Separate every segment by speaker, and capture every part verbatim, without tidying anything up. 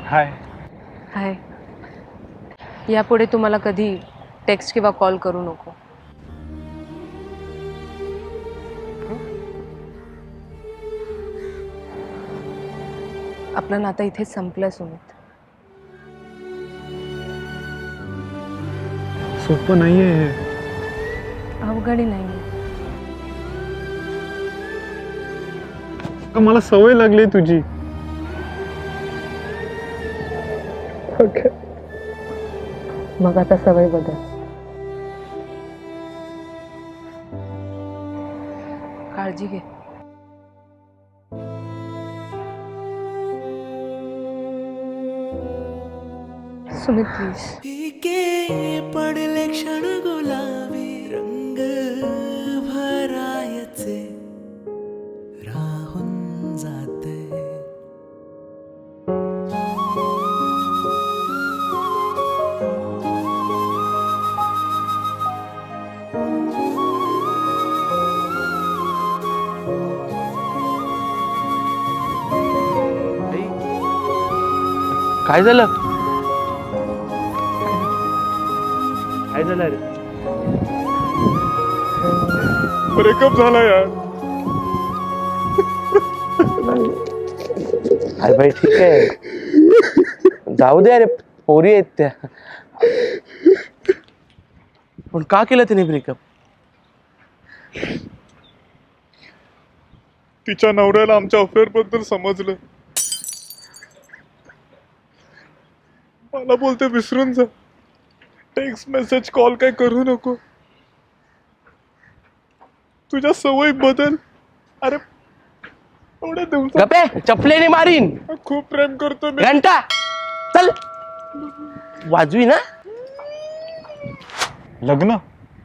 Speaker 1: हाय.
Speaker 2: हाय. यापुढे तुम्हाला कधी टेक्स्ट किंवा कॉल करू नको. आपलं नातं इथेच संपलंय सुमित.
Speaker 1: सोपं नाहीये हे.
Speaker 2: अवघड नाही.
Speaker 1: मला सवय लागली तुझी.
Speaker 2: मग आता सवय बदल. काळजी घे. सुमित प्लीज.
Speaker 3: पडले क्षण गुलाबी रंग भरायचे राहून जाते.
Speaker 4: काय झालं? काय झालं रे?
Speaker 1: ब्रेकअप झाला यार.
Speaker 4: अरे भाई ठीक आहे, जाऊ दे. अरे पोरी आहेत त्या. पण का केलं तिने ब्रेकअप?
Speaker 1: तिच्या नवऱ्याला आमच्या अफेअर बद्दल समजलं. मला बोलते विसरून जा, टेक्स्ट मेसेज कॉल काय करू नको, तुझ्या सवयी बदल. अरे एवढ्या दिवसात
Speaker 4: गप्पे, चपलेने मारीन.
Speaker 1: खूप प्रेम करतो मी.
Speaker 4: घंटा चल वाजवी ना.
Speaker 1: लग्न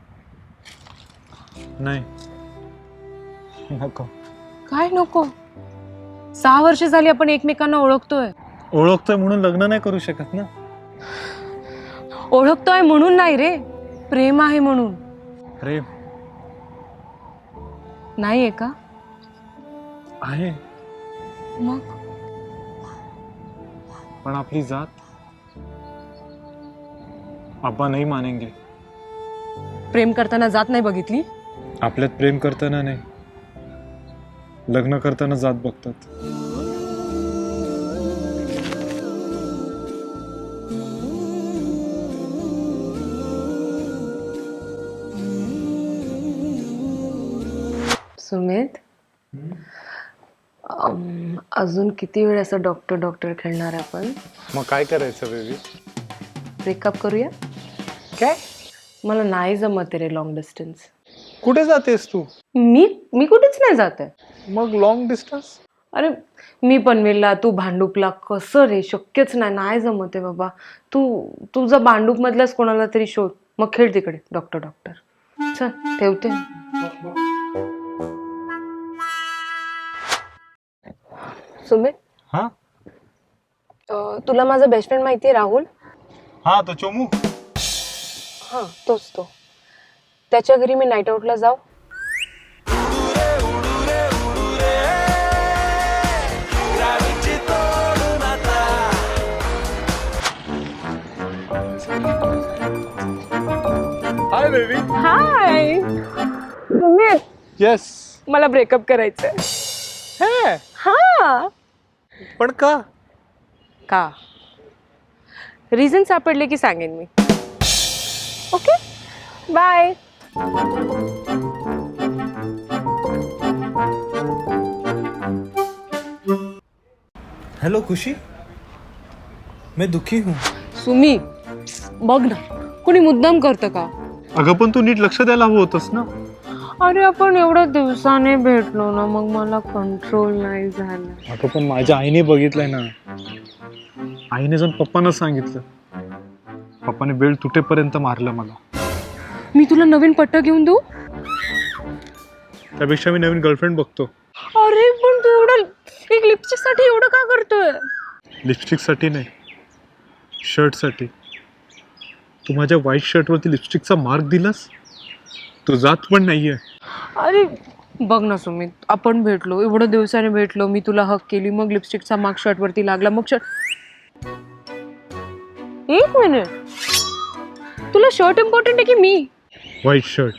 Speaker 1: नाही, नको.
Speaker 2: काय नको? सहा वर्ष झाली आपण एकमेकांना ओळखतोय.
Speaker 1: ओळखतोय म्हणून लग्न नाही करू शकत ना.
Speaker 2: ओळखतोय म्हणून नाही रे, प्रेम आहे म्हणून.
Speaker 1: प्रेम
Speaker 2: नाहीये का?
Speaker 1: आहे,
Speaker 2: मग
Speaker 1: पण आपली जात आबा नाही मानेंगे.
Speaker 2: प्रेम करताना जात नाही बघितली?
Speaker 1: आपल्यात प्रेम करताना नाही, लग्न करताना जात बघतात.
Speaker 2: सुमित, अम, अजून किती वेळ असं डॉक्टर डॉक्टर खेळणार आपण?
Speaker 1: मग काय करायचं बेबी?
Speaker 2: ब्रेकअप करूया?
Speaker 4: काय?
Speaker 2: मला नाही जमत रे लॉंग डिस्टन्स.
Speaker 1: कुठे जातेस तू?
Speaker 2: मी मी कुठेच नाही जात आहे.
Speaker 1: मग लॉंग डिस्टन्स?
Speaker 2: अरे मी पनवेलला, तू भांडूपला. कसं रे, शक्यच नाही. नाही जमत आहे बाबा. तू तुझा भांडूप मधलाच कोणाला तरी शोध, मग खेळ तिकडे डॉक्टर डॉक्टर. चल ठेवते. सुमित,
Speaker 1: हा
Speaker 2: अं, तुला माझा बेस्ट फ्रेंड माहिती आहे राहुल?
Speaker 1: हा तो चोमू.
Speaker 2: हां तोच तो. त्याच्या घरी मी नाईट आउटला जाऊ?
Speaker 1: Hi baby.
Speaker 2: Hi Sumit,
Speaker 1: yes.
Speaker 2: मला ब्रेकअप करायचंय.
Speaker 1: हे
Speaker 2: हा.
Speaker 1: पण का?
Speaker 2: का? रिझन सापडले की सांगेन मी. Okay bye.
Speaker 3: हेलो खुशी, मैं दुखी हूँ.
Speaker 2: सुमी बघ ना, कोणी मुद्दाम करतं का?
Speaker 1: अगं पण तू नीट लक्ष द्यायला हवं होतंस ना.
Speaker 2: अरे आपण एवढ्या दिवसाने भेटलो ना, मग मला कंट्रोल नाही झालं.
Speaker 1: अगं पण माझ्या आईने बघितलंय ना. आईने जाऊन पप्पांना सांगितलं. पप्पाने बेल तुटेपर्यंत मारलं मला.
Speaker 2: मी तुला नवीन पट्टा घेऊन देऊ?
Speaker 1: त्यापेक्षा मी नवीन गर्लफ्रेंड बघतो.
Speaker 2: अरे पण तू एवढं एक लिपस्टिक साठी एवढं का करतोय?
Speaker 1: लिपस्टिक साठी नाही, शर्ट साठी. तू माझ्या व्हाईट शर्टवरती लिपस्टिकचा मार्क दिलास. तो जात पण नाहीये.
Speaker 2: अरे बघ ना सुमित, आपण भेटलो, एवढ्या दिवसाने भेटलो, मी तुला हक केली, मग लिपस्टिकचा मार्क शर्ट वरती लागला, मग शर्ट एक मिनिट, तुला शर्ट इम्पॉर्टंट आहे की मी?
Speaker 1: White shirt.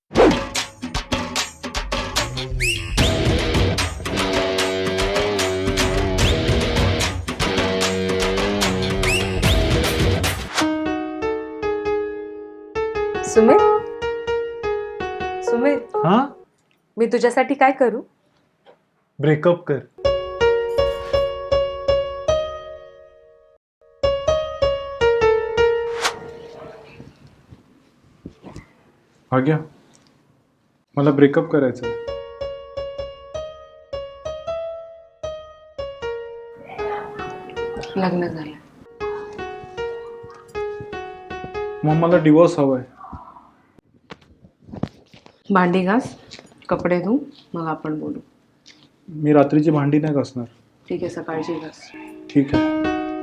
Speaker 2: सुमित, सुमित,
Speaker 1: हा,
Speaker 2: मी तुझ्यासाठी काय करू?
Speaker 1: ब्रेकअप कर. आग्या, मला ब्रेकअप करायचं.
Speaker 2: लग्न झालं.
Speaker 1: मग मला डिवोर्स हवाय.
Speaker 2: भांडी घास, कपडे धु, मग आपण बोलू.
Speaker 1: मी रात्रीची भांडी नाही घासणार.
Speaker 2: ठीक आहे, सकाळची घास.
Speaker 1: ठीक आहे.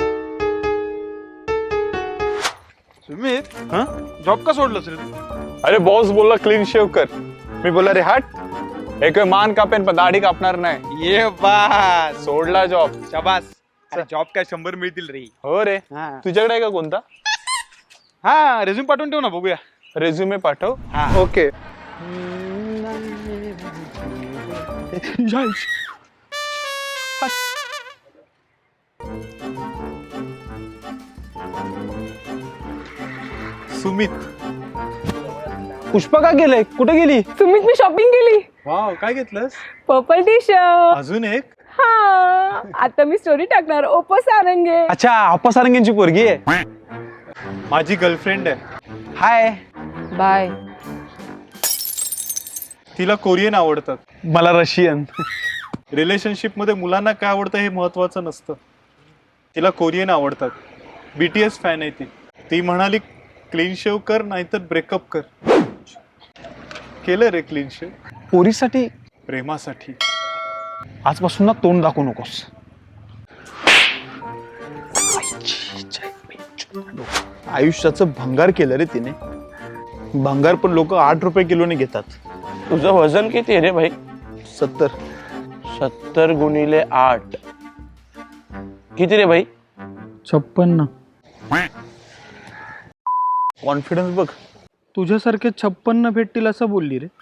Speaker 5: सुमित, हाँ जॉब का सोडलंस रे?
Speaker 6: अरे बॉस बोलला क्लीन शेव कर. मी बोलला रे हट, एक मान कापेन पण दाढी कापणार नाही.
Speaker 5: ये बास,
Speaker 6: सोडला जॉब.
Speaker 5: शाबास. अरे जॉब काय शंभर मिळतील रे.
Speaker 6: हो रे.
Speaker 5: हा.
Speaker 6: तुझ्याकडे आहे का कोणता?
Speaker 5: हा रेझ्यूम पाठवून ठेव ना, बघूया.
Speaker 6: रेझ्युमे पाठव.
Speaker 5: हा.
Speaker 6: ओके.
Speaker 1: सुमित,
Speaker 6: पुष्पा का गेलंय? कुठे गेली?
Speaker 2: सुमित, मी शॉपिंग केली.
Speaker 1: वाव, काय घेतलंस?
Speaker 2: Purple T shirt.
Speaker 1: अजून एक?
Speaker 2: हा, आता मी स्टोरी टाकणार. ओपो सारंगे.
Speaker 6: अच्छा, आप्पा सारंगेंची पोरगी आहे.
Speaker 1: माझी गर्लफ्रेंड आहे.
Speaker 6: हाय.
Speaker 2: बाय.
Speaker 1: तिला कोरियन आवडतात.
Speaker 6: मला रशियन.
Speaker 1: रिलेशनशिप मध्ये मुलांना काय आवडतं हे महत्वाचं नसतं. तिला कोरियन आवडतात. बीटीएस फॅन आहे ती. ती म्हणाली क्लीन शेव कर नाहीतर ब्रेकअप कर. केलं रे क्लीन शेव.
Speaker 6: पोरीसाठी
Speaker 1: प्रेमासाठी.
Speaker 6: आजपासून ना तोंड दाखवू नकोस.
Speaker 7: आयुष्याचं भंगार केलं रे तिने. भंगार पण लोक आठ रुपये किलोने घेतात.
Speaker 4: तुझं वजन किती आहे रे भाई?
Speaker 7: सत्तर.
Speaker 4: सत्तर गुणिले आठ किती रे भाई?
Speaker 8: छप्पन्न.
Speaker 7: कॉन्फिडन्स बघ.
Speaker 8: तुझ्यासारखे छप्पन्न भेटतील असं बोलली रे.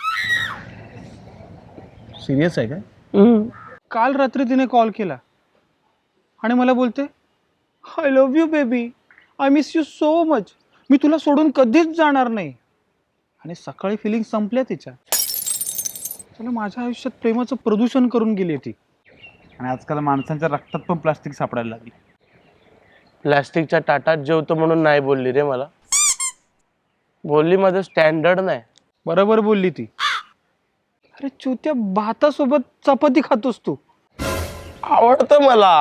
Speaker 7: सिरियस आहे काय?
Speaker 8: काल रात्री तिने कॉल केला आणि मला बोलते, I love you baby, I miss you so much, मी तुला सोडून कधीच जाणार नाही. आणि सकाळी फिलिंग संपल्या तिच्या. चला, माझ्या आयुष्यात प्रेमाचं प्रदूषण करून गेली ती.
Speaker 7: आणि आजकाल माणसांच्या रक्तात पण प्लास्टिक सापडायला लागली.
Speaker 4: प्लास्टिकच्या ताटात जेवतो म्हणून नाही बोलली रे मला. बोलली माझं स्टँडर्ड नाही.
Speaker 8: बरोबर बोलली ती. अरे चुत्या, भातासोबत चपाती खातोस तू.
Speaker 4: आवडतं मला.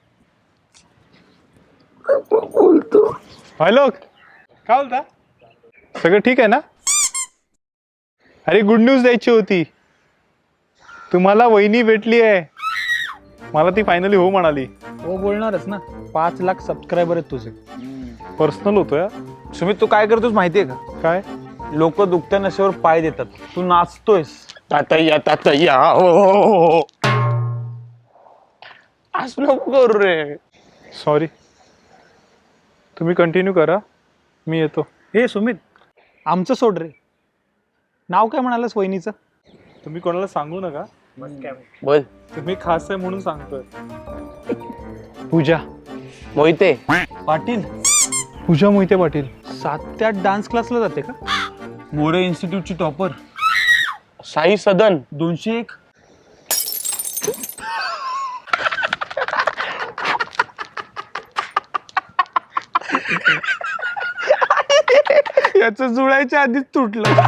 Speaker 1: हॅलो, काय बोलता? सगळं ठीक आहे ना? अरे गुड न्यूज द्यायची होती. तुम्हाला वहिनी भेटली आहे. मला ती फायनली हो म्हणाली.
Speaker 8: हो बोलणारच ना. पाच लाख सबस्क्रायबर आहेत तुझे.
Speaker 1: पर्सनल होतोय.
Speaker 7: सुमित, तू काय करतोस माहितीये का?
Speaker 1: काय?
Speaker 7: लोक दुखत्या नशेवर पाय देतात, तू नाचतोयस.
Speaker 4: तातय्या तातय्या हो हो, हो. असं नको करू रे.
Speaker 1: सॉरी. तुम्ही कंटिन्यू करा, मी येतो.
Speaker 8: हे सुमित, आमचं सोड रे. नाव काय म्हणालस वहिनीचं?
Speaker 1: तुम्ही कोणाला सांगू नका.
Speaker 4: बोल.
Speaker 1: तुम्ही खास आहे म्हणून सांगतोय.
Speaker 8: पूजा
Speaker 4: मोहिते
Speaker 8: पाटील.
Speaker 1: पूजा मोहिते पाटील.
Speaker 8: सात ते आठ डान्स क्लासला जाते का?
Speaker 7: मोरे इन्स्टिट्यूटची टॉपर.
Speaker 4: साई सदन.
Speaker 7: दोनशे एक.
Speaker 8: याच जुळायच्या आधीच तुटलं.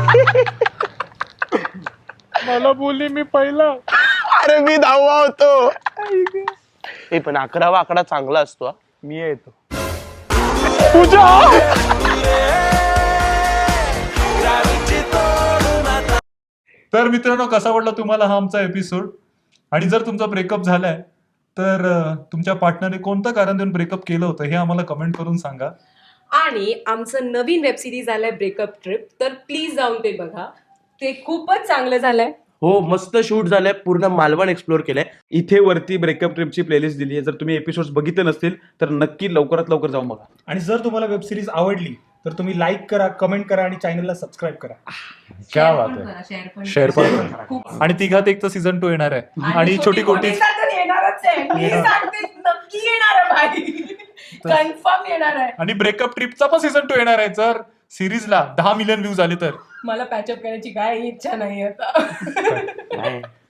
Speaker 1: मला बोलली मी पहिला.
Speaker 4: अरे मी दहावा होतो. हे पण अकरावा आकडा चांगला असतो. हा.
Speaker 7: मी येतो.
Speaker 1: तर मित्रांनो, कसा वाटला तुम्हाला हा आमचा एपिसोड? आणि जर तुमचा ब्रेकअप झालाय तर अं, तुमच्या पार्टनरने कोणतं कारण देऊन ब्रेकअप केलं होतं हे आम्हाला कमेंट करून सांगा.
Speaker 9: आणि आमचं नवीन वेब सिरीज आलंय ब्रेकअप ट्रिप, तर प्लीज जाऊन ते बघा. ते खूपच चांगलं झालंय.
Speaker 4: हो मस्त शूट झालंय, पूर्ण मालवण एक्सप्लोर केलंय.
Speaker 5: इथे वरती ब्रेकअप ट्रिपची प्लेलिस्ट दिली आहे. जर तुम्ही एपिसोड बघितले नसतील तर नक्की लवकरात लवकर जाऊन बघा.
Speaker 8: आणि जर तुम्हाला वेब सिरीज आवडली तर तुम्ही लाईक करा, कमेंट करा आणि चॅनलला सबस्क्राईब करा.
Speaker 6: क्या बात आहे. शेअर पण करा. आणि तिघात एक तर सीझन टू येणार आहे आणि छोटी कोटी
Speaker 9: येणारच आहे. मी सांगते नक्की येणार आहे भाई. कन्फर्म येणार आहे.
Speaker 6: आणि ब्रेकअप ट्रिपचा पण सीझन टू येणार आहे. जर सिरीजला दहा मिलियन व्ह्यूज आले तर
Speaker 9: मला पॅचअप करायची काय इच्छा नाही आता.